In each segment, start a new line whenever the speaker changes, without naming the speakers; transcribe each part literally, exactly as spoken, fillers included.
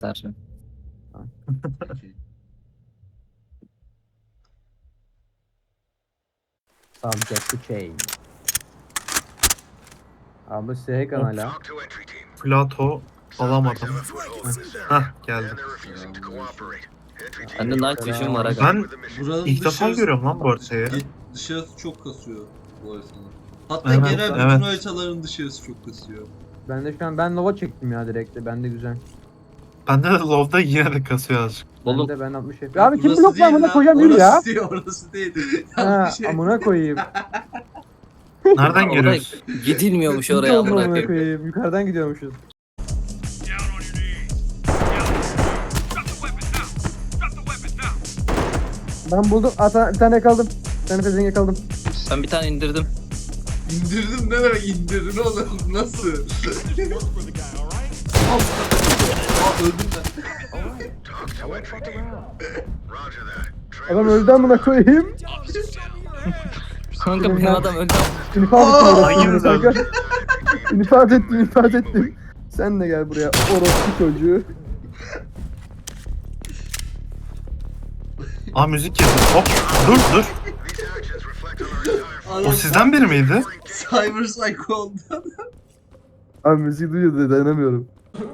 Tarçın.
Subject to change. Abi S kanala.
Plato alamadım. Hah geldi.
Bende night vision var aga.
Ben
Buranın
ilk defa
dışarısı-
görüyorum lan bu haritayı.
Ge- Dışarısı çok kasıyor bu haritanın. Hatta
Evet,
genel bütün
evet.
haritaların dışarısı çok kasıyor.
Ben de şu an ben Nova çektim ya direkt de. Bende güzel.
Bende de Low'da yine de kasıyor azıcık.
Oğlum
Bende ben altmış F P S. Abi kim
Burası
blok
değil
lan buna
lan,
koyacağım yürü ya.
Orası değil, orası değil.
Ha,
Yanlış şey.
amına koyayım.
Nereden
orada
görüyorsun?
gidilmiyormuş
Hiç
oraya
oldu
amına
amına
koyayım.
koyayım. Yukarıdan gidiyormuşuz. Ben buldum. Ata, bir tane yakaladım. Bir tane pezevenk yakaladım.
Ben bir tane indirdim.
İndirdim ne demek indirdin oğlum nasıl? Aa öldüm ben.
Adam öldü amına koyayım.
Kanka benim adam öldü.
İnfaz ettim
hayır
orospu
lan.
kanka. İnfaz ettim infaz ettim. Sen de gel buraya orospu çocuğu.
Aa müzik girdi. Hop dur dur. O
Adam
sizden biri miydi?
Cyber Psycho oldu.
Abi müziği duyuyor da dayanamıyorum.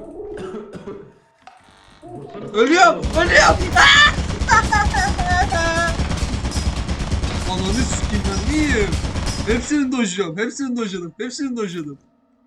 Ölüyorum, ölüyorum. Ananı sikeyim ben neyim? Hepsini dojluyorum, hepsini dojladım, hepsini dojladım.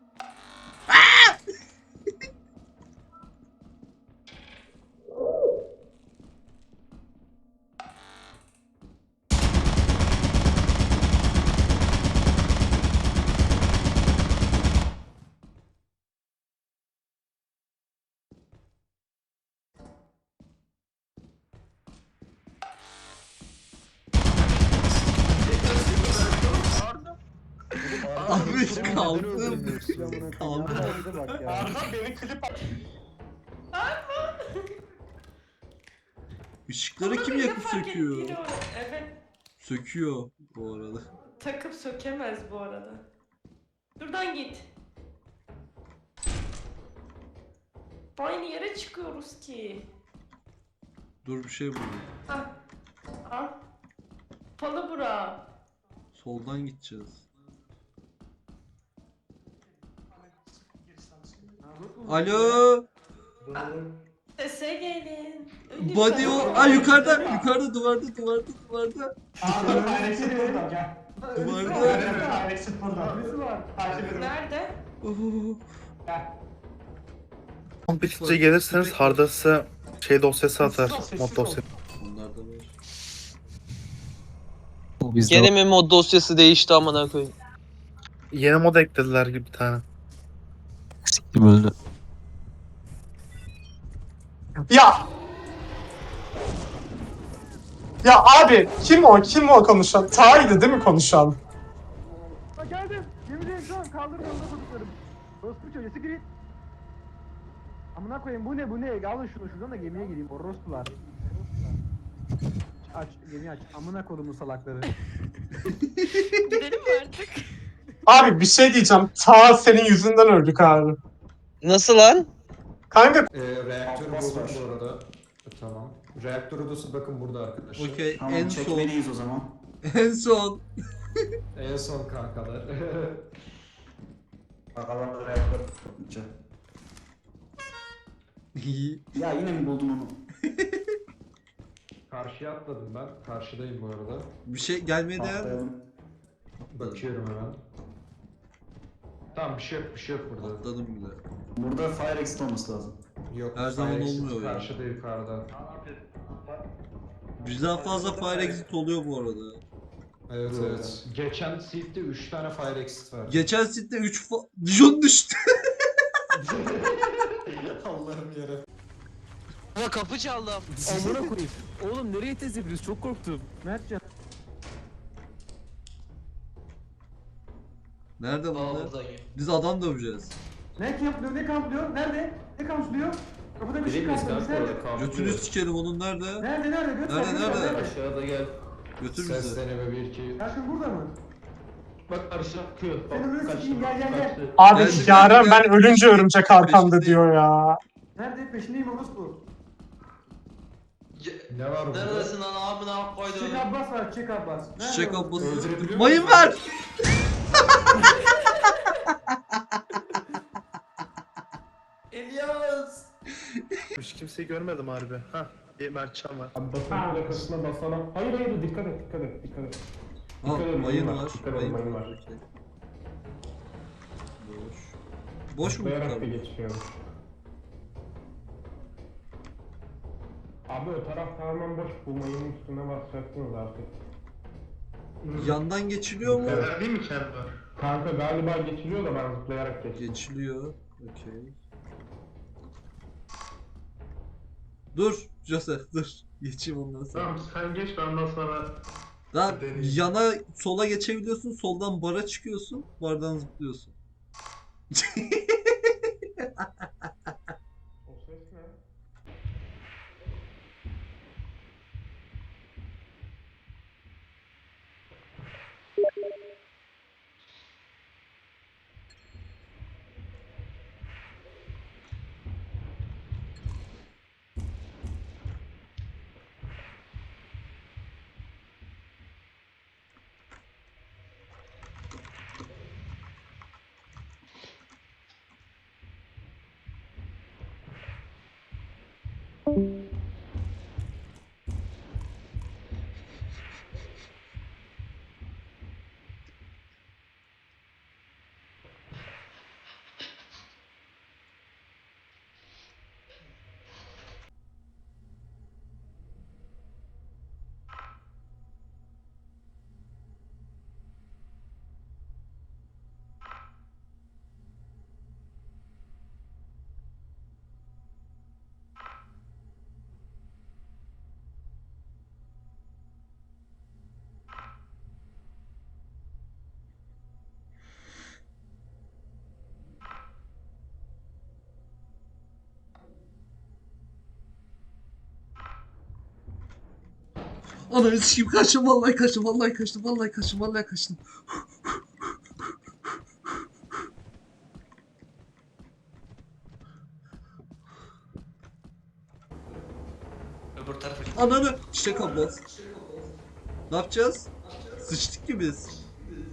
Abi kaldım. Kaldım. Işıkları kim yakıp söküyor?
Evet.
Söküyor bu arada.
Takıp sökemez bu arada. Şuradan git. Aynı yere çıkıyoruz ki.
Dur bir şey buldum.
Hah. Al. Palı bura.
Soldan gideceğiz. Alo.
Sese gelin. Ölüm
Body o.
ben-
Aa yukarıda, yukarıda duvarda, duvarda, duvarda. Duvarda.
Nerede?
Oo.
Kompitle gelirseniz Hard'a size şey dosyası atar. Mod dosyası.
Onlar da var.
Bu bizde
Gene mi mod dosyası değişti amına koyayım?
Yeni mod eklediler gibi bir tane.
kim öldü?
Ya! Ya abi kim o? Kim o konuşan? Taha'ydı değil mi konuşan?
Ha geldim. Gemideyim şu an. Kaldırın yolda çocuklarım. Orospu çocuğu siktir git. Amına koyayım bu ne bu ne? Alın şunu şuradan da gemiye gireyim. Orospular. Aç gemiyi aç. Amına kodumun salakları.
Gidelim mi artık?
Abi bir şey diyeceğim. Taha senin yüzünden öldük abi.
Nasıl lan?
Kanka
Ee, reaktör buldum bu arada. Tamam. Reaktör odası bakın burada arkadaşlar.
Okey,
Tamam
en son.
çekmeliyiz o zaman.
En son.
En son kankalar.
Bakalım reaktör tutunca. Ya yine mi buldun onu?
Karşıya atladım ben. Karşıdayım bu arada.
Bir şey gelmeye değer mi?
Atlayalım.
Bakıyorum hemen. Tamam bir şey yok bir şey yok burada.
Atladım bile.
Burada fire exit olması lazım.
Yok.
Her zaman
fire exit
olmuyor ya.
Karşıda yukarıda.
Bizden fazla fire exit oluyor bu arada.
Evet
Doğru.
evet. Geçen seat'te üç tane fire exit var.
Geçen sitte üç fa... Dijon düştü.
Allah'ım yere.
Ama kapı çaldı.
Amına koyayım. Oğlum nereye tez yapıyoruz? Çok korktum.
Mertcan.
Nerede
Aa
bunlar?
buradan ya.
Biz adam döveceğiz.
Ne kamplıyor? Ne kamplıyor? Nerede? Ne kamplıyor? Kapıda bir şey kamplıyor. Nerede?
Götünü sikerim onun nerede?
Nerede nerede? Göster,
Nerede,
göster,
nerede?
Aşağıda gel.
Götür bizi.
Ses deneme bir iki.
Yakın burada mı?
Bak karşıda akıyor.
Seni böyle sikeyim gel gel gel.
abi
Geldim,
Yaren
geldim,
ben
geldim.
ölünce örümcek arkamda
Peşindeyim.
diyor ya.
Nerede? Peşindeyim orospu.
Ne var burada?
Neredesin lan amına koydum.
Çiçek Abbas var, Çiçek Abbas. Nerede
Çiçek
o?
Abbas'ı.
Öldürebiliyor
Mayın
musun?
ver.
İlyas.
Hiç kimseyi görmedim harbi. Hah bir Mertcan var.
Abi basın plakasına basana. Hayır hayır dikkat et dikkat et dikkat et.
Ha,
Dikkat edin,
mayın
mayın var,
var.
dikkat edin,
Mayın
mayın
var.
var.
Okey. Boş. Boş mu
Zıplayarak da
tutalım?
geçmiyormuş. Abi o taraf tamamen boş. Bu mayının üstüne basacaksınız artık.
Yandan geçiliyor mu?
Değil mi kendi var?
Kanka galiba geçiliyor da ben zıplayarak geçtim.
Geçiliyor. Okey. Dur Joseph dur. Geçeyim ondan sonra.
Tamam sen geç ben ondan sonra
Daha
deneyeyim.
yana sola geçebiliyorsun. Soldan bara çıkıyorsun. Bardan zıplıyorsun.
O ses ne?
Ananı sikeyim kaçtım vallahi kaçtım vallahi kaçtım vallahi kaçtım vallahi kaçtım.
Öbür tarafa git.
Ananı Çiçek Abbas. Ne yapacağız? Sıçtık ki biz.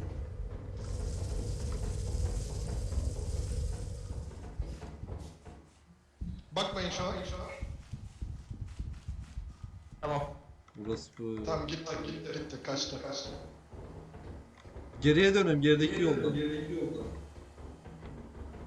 Bakmayın şu an.
Tamam.
Burası bu.
Tamam gitti gitti gitti kaçtı kaçtı.
Geriye dönüyorum gerideki yolda.